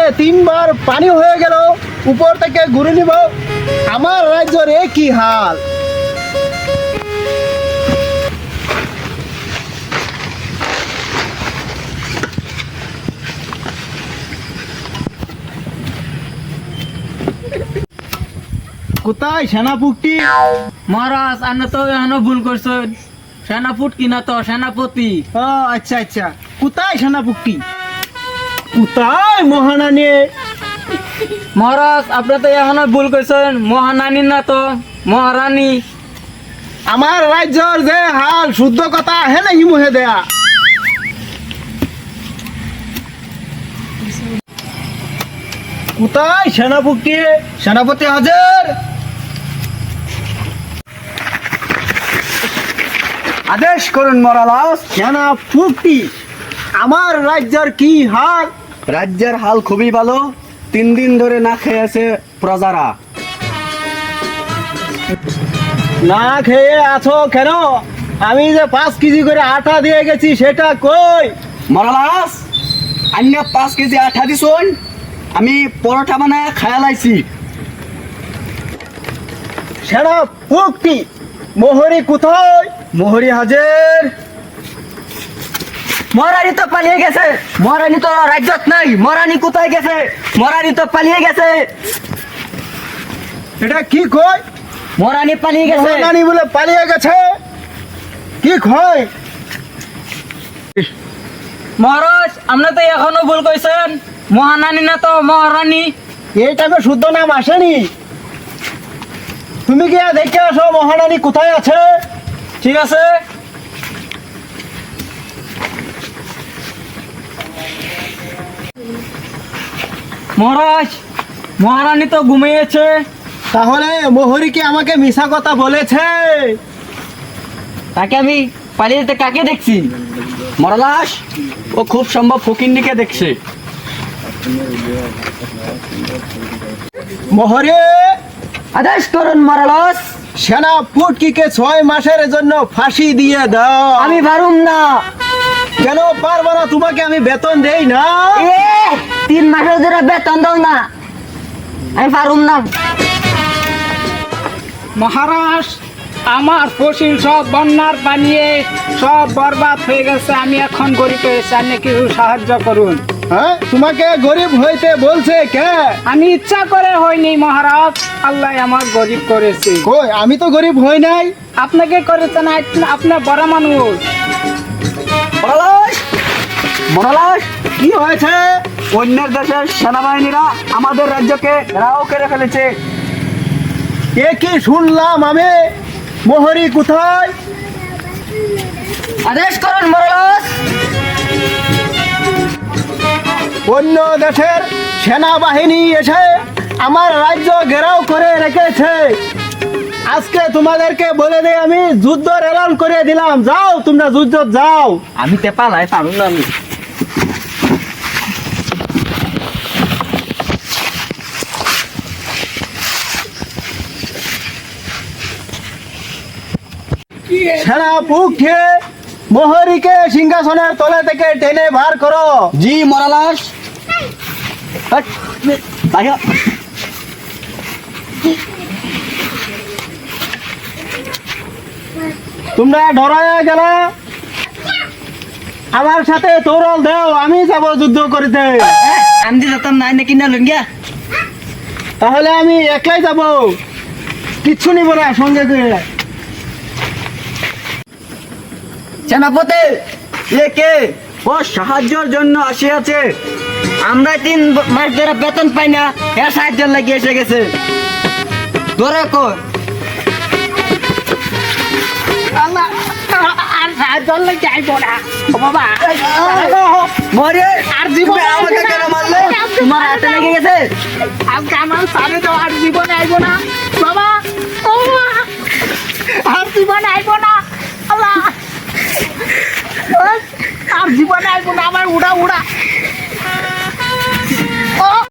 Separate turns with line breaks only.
থেকে 3 বার পানি হয়ে গেল, উপর থেকে ঘুরে নিব। আমার রাজ্যের এ কি হাল! কোথায় সেনাপতি?
মহারাজ আপনি তো এখনো ভুল করছেন। সেনাপুট কিনা তো সেনাপতি।
ও আচ্ছা আচ্ছা, কোথায় সেনাপতি? কোথায় মহারানী?
মহারাজ আপনি তো এখনো ভুল করছেন। মহানানী না তো মহারানী।
আমার রাজ্যের যে হাল, শুদ্ধ কথা হে নাকি মুহে দেয়া? কোথায় সেনাপতি? সেনাপতি হাজার, আদেশ করুন মরালাস। সেনাপতি, আমার রাজ্যের কি হাল?
রাজ্যের হাল খুবই ভালো। 3 দিন ধরে না খেয়ে আছে প্রজারা।
না খেয়ে আছো কেন? আমি যে 5 কেজি করে আটা দিয়ে গেছি সেটা কই?
মরালাস, আন্য 5 কেজি আঠা দিছুন, আমি পরোটা বানায় খায়ালাইছি।
সেনাপতি, মোহরি কোথায়? মোহরি হাজার।
মহারানী তো পালিয়ে গেছে। মহারানী তো রাজ্যত নাই। মহারানী কোথায় গেছে? মহারানী তো পালিয়ে গেছে।
এটা কি কয়?
মহারানী পালিয়ে গেছে।
মহারানী বলে পালিয়ে গেছে? কি কয়?
মহারাজ আপনি তো এখনো ভুল করছেন। মহানানী না তো মহারানী।
এই টাইমে শুদ্ধ নাম আসেনি। তুমি গিয়ে দেখে আসো মহারানী কোথায় আছে।
ঠিক আছে। মহারাজ মহারানী তো ঘুমিয়েছে।
তাহলে মোহরি কি আমাকে মিছা কথা বলেছে?
তাকে আমি পালিয়ে যেতে কাকে দেখছি?
মরালাস, ও খুব সম্ভব ফকিন্নিকে দেখছে।
মোহরি,
আদেশ করুন মহারাজ।
সেনাপতিকে 6 মাসের জন্য ফাঁসি দিয়ে দাও।
আমি পারুম না।
কেন পারবো না? তোমাকে আমি বেতন দেই না?
3 মাসের ধরে বেতন দাও না। আমি পারুম না।
মহারাজ, আমার ফসল সব বন্যার পানিয়ে সব বরবাদ হয়ে গেছে। আমি এখন গরিব হয়েছি, আপনি কিছু সাহায্য করুন।
হ্যাঁ, তোমাকে গরিব হইতে বলছে কে?
আমি ইচ্ছা করে হয়নি মহারাজ, আল্লাহ আমার গরিব করেছে।
কই, আমি তো গরিব হই নাই।
আপনাকে করেছেন, আপনার বড় মানুষ।
মরালাস, মরালাস,
কি হয়েছে?
অন্যের দেশের সেনাবাহিনীরা আমাদের রাজ্যকে ঘেরাও করে ফেলেছে।
এ কি শুনলাম আমি? মোহরি কোথায়?
আদেশ করুন মহারাজ।
অন্য দেশের সেনাবাহিনী এসে আমার রাজ্য ঘেরাও করে রেখেছে। আজকে তোমাদেরকে বলে দিয়ে আমি যুদ্ধ এলান করে দিলাম। যাও, তোমরা যুদ্ধ যাও।
আমি তে পালাই পারুম না। আমি
সেনাপতি, মোহরিকে সিংহাসনের তলে থেকে টেনে বার করো।
জি মরালাস। হাট, বাইরে।
তোমরা ডরায় গেল। আমার সাথে তরল দেও, আমি যাব যুদ্ধ করিতে।
আমি তো যেতাম নাই নাকি না লঙ্গিয়া।
তাহলে আমি একলাই যাব, কিচ্ছু নিব না সঙ্গে করে।
সেনাপতি,
এ কে? ও সাহায্যের জন্য আসিয়াছে।
আমরা 3 মাস ধরে বেতন পাই না। এর সাহায্য লাগিয়ে এসে গেছে। ধরে কই?
আর সাহায্য লাগে আইবো না ও বাবা।
মরে
আর জীবনে
আমাকে কেন মারলে?
তোমার হাতে লেগে গেছে।
আজকে আমার সাথে তো আর জীবনে আইবো না বাবা। ও বাবা, আর জীবনে আইবো না। আল্লাহ, আর জীবনে আইবো না। আমার উড়া উড়া। ও